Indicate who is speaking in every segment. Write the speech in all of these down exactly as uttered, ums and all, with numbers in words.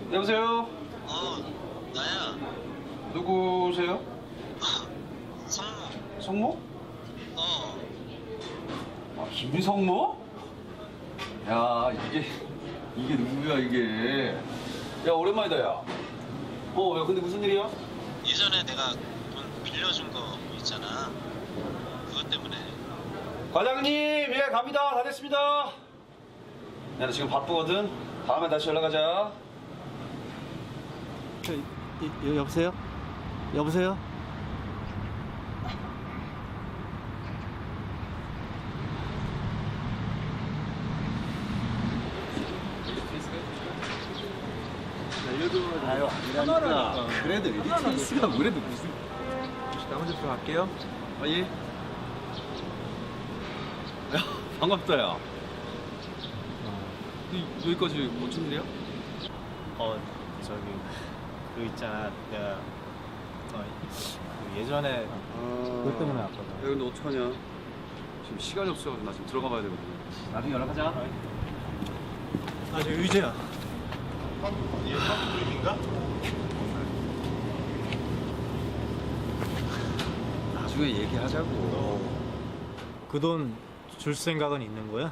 Speaker 1: 여보세요?
Speaker 2: 어, 나야.
Speaker 1: 누구세요?
Speaker 2: 성모.
Speaker 1: 성모?
Speaker 2: 어,
Speaker 1: 아, 김성모? 야, 이게, 이게 누구야, 이게. 야, 오랜만이다, 야. 어, 야, 근데 무슨 일이야?
Speaker 2: 예전에 내가 돈 빌려준 거 있잖아. 그것 때문에.
Speaker 1: 과장님, 예, 갑니다. 다 됐습니다. 야, 나 지금 바쁘거든. 다음에 다시 연락하자.
Speaker 3: 저, 이, 이, 여보세요? 여보세요?
Speaker 1: 아유, 아니라니까. 그래도 에이티에스가 그래도 무슨.
Speaker 4: 나머지 들어갈게요.
Speaker 1: 아, 예. 야, 반갑다, 야. 이, 여기까지 어쩐 일이야?
Speaker 3: 어, 저기, 그 있잖아. 내가, 어, 그 예전에 그것 때문에 왔거든.
Speaker 1: 야, 근데 어떡하냐? 지금 시간이 없어가지고 나 지금 들어가 봐야 되거든. 나중에 연락하자.
Speaker 3: 아, 저 의재야.
Speaker 1: 나중에 얘기하자고.
Speaker 3: 그 돈 줄 생각은 있는 거야?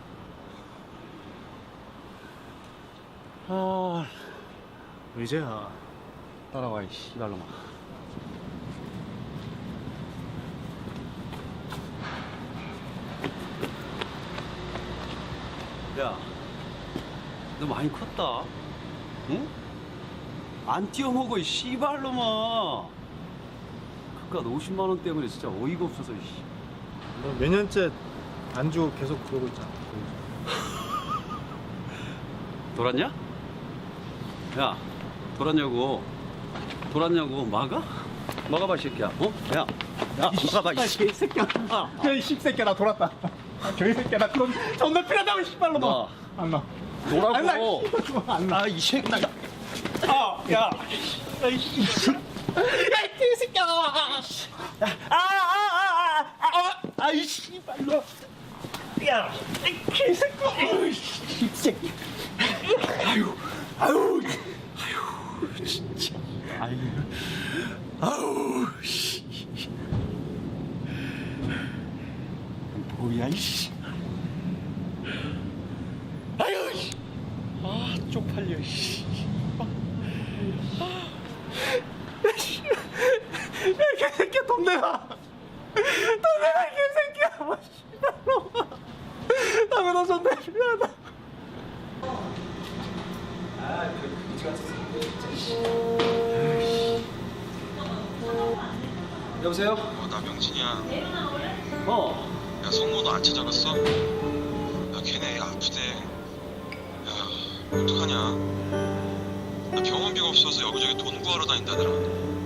Speaker 1: 아,
Speaker 3: 의재야.
Speaker 1: 따라와, 이 씨발놈아. 야, 너 많이 컸다. 응? 안 뛰어먹어, 이 씨발놈아. 그깟 오십만 원 때문에 진짜 어이가 없어서, 씨.
Speaker 3: 너 몇 년째 안 주고 계속 그러고 있잖아.
Speaker 1: 돌았냐? 야, 돌았냐고. 돌았냐고. 막아? 막아봐, 이 새끼야. 어? 야, 야, 막아봐, 이
Speaker 3: 이 새끼야. 야, 이 씹새끼야, 나 돌았다. 아, 저이 새끼야, 나 그럼 존나 필요하다고, 씨발로 봐.
Speaker 1: 나.
Speaker 3: 안 나.
Speaker 1: 노라고.
Speaker 3: 안 나, 안 나.
Speaker 1: 아, 이 새끼.
Speaker 3: 아, 야. 야, 이 새끼야. 야, 이 새끼야. 아, 아, 아, 아, 아, 아, 이 씨발로. 야, 이 개새끼야. 이 새끼.
Speaker 1: 아유, 아유, 아유, 진짜. 아유, 아우, 씨. 뭐야, 이씨. 아유, 씨. 아, 쪽팔려, 씨.
Speaker 3: 야, 개새끼야, 돈 내놔. 돈 내놔, 개새끼야. 씨발로. 나 너 존나 필요하다.
Speaker 1: 여보세요?
Speaker 2: 어, 나 명진이야.
Speaker 1: 어.
Speaker 2: 야, 성모도 안 찾아갔어? 야, 걔네 애 아프대. 야, 어떡하냐? 나 병원비가 없어서 여기저기 돈 구하러 다닌다더라.